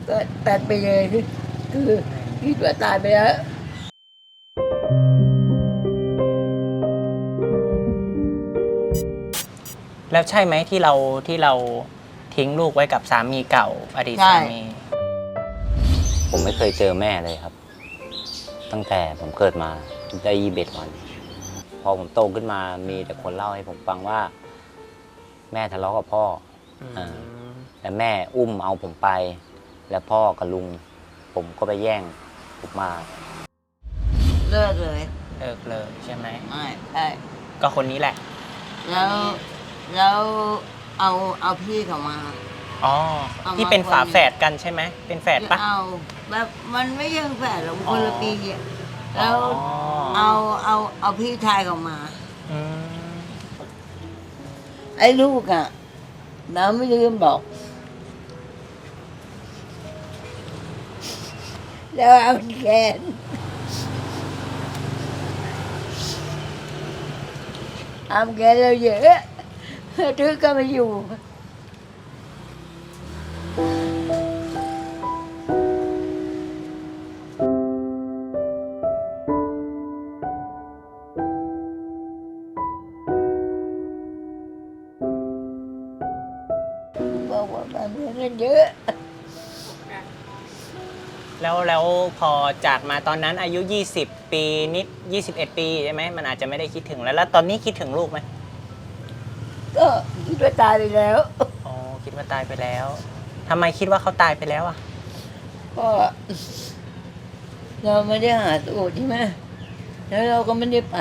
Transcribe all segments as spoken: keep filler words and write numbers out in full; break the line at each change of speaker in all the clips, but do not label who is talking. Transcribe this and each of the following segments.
ก็ตัดไปเลยคือคิดว่าตายไปแล้ว
แล้วใช่ไหมที่เราที่เราทิ้งลูกไว้กับสามีเก่าอดีตสามี
ผมไม่เคยเจอแม่เลยครับตั้งแต่ผมเกิดมาได้ยี่สิบเอ็ดวันพอผมโตขึ้นมามีแต่คนเล่าให้ผมฟังว่าแม่ทะเลาะกับพ่อแล้วแม่อุ้มเอาผมไปแล้วพ่อกับลุงผมก็ไปแย่งผมมา
เลิกเลย
เลิกเลยใช่ไหม
ไม่ใช่
ก็คนนี้แหละ
แล้วแล้วเอาเอาพี่เขามา
อ๋อที่เป็นฝาแฝดกันใช่ไหมเป็นแฝดปะ
เอาแบบมันไม่ยังแฝดหรอกคนละปีแล้วเอาเอาเอาพี่ชายเขามาไอ้ลูกอ่ะน้าไม่ลืมบอกแล้วเอาแขนเอาแขนเราเยอะทึกก็ไม่อยู่บอกว่ามันเงินเยอะ
แล้วแล้วพอจากมาตอนนั้นอายุยี่สิบปีนิดยี่สิบเอ็ดปีใช่ไหมมันอาจจะไม่ได้คิดถึงแล้วแล้วตอนนี้คิดถึงลูกไหม
ก็คิดว่าตายไปแล้ว
อ๋อคิดว่าตายไปแล้วทำไมคิดว่าเขาตายไปแล้วอ่ะ
ก็เราไม่ได้หาสูตรใช่ไหมแล้วเราก็ไม่ได้ไป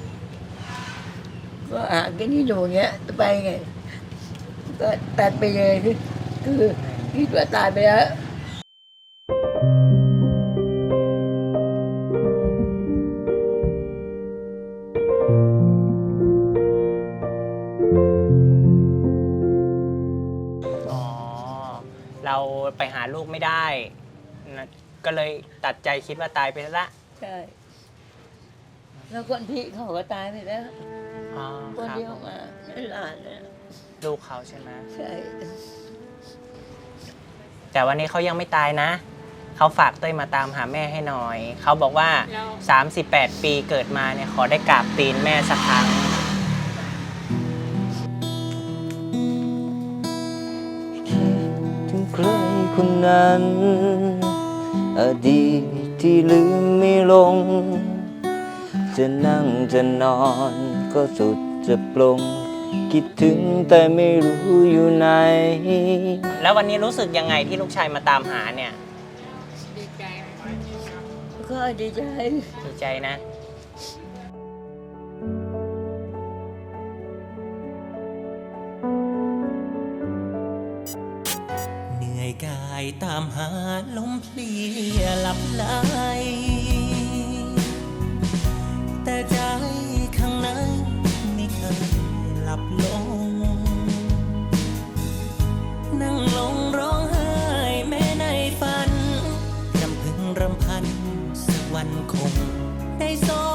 ก็หากันที่อยู่เงี้ยจะไปไงก็ตัดไปเลยคือคิดว่าตายไปแล้ว
เราไปหาลูกไม่ได้นะก็เลยตัดใจคิดว่าตายไปแล้วละ
ใช่แล้วคนพี่เขาก็ตายไปแล้วคนที่เขามาหลานเนี่ย
ลูกเขาใช่ไหม
ใช่
แต่วันนี้เขายังไม่ตายนะเขาฝากเต้ยมาตามหาแม่ให้หน่อยเขาบอกว่าสามสิบแปดปีเกิดมาเนี่ยขอได้กราบตีนแม่สักครั้ง
ถึงใครคนนั้นอดีตที่ลืมไม่ลงจะนั่งจะนอนก็สุดจะปลงคิดถึงแต่ไม่รู้อยู่ไหน
แล้ววันนี้รู้สึกยังไงที่ลูกชายมาตามหาเนี่ย
ดีใจก็ดีใจ
ดีใจนะ
เหนื่อยกายตามหาลมเพลียหลับไหลแต่ใจข้างในไม่เคยหลับลงนั่งลงร้องไห้แม้ในฝันรำพึงรำพันสักวันคงได้ส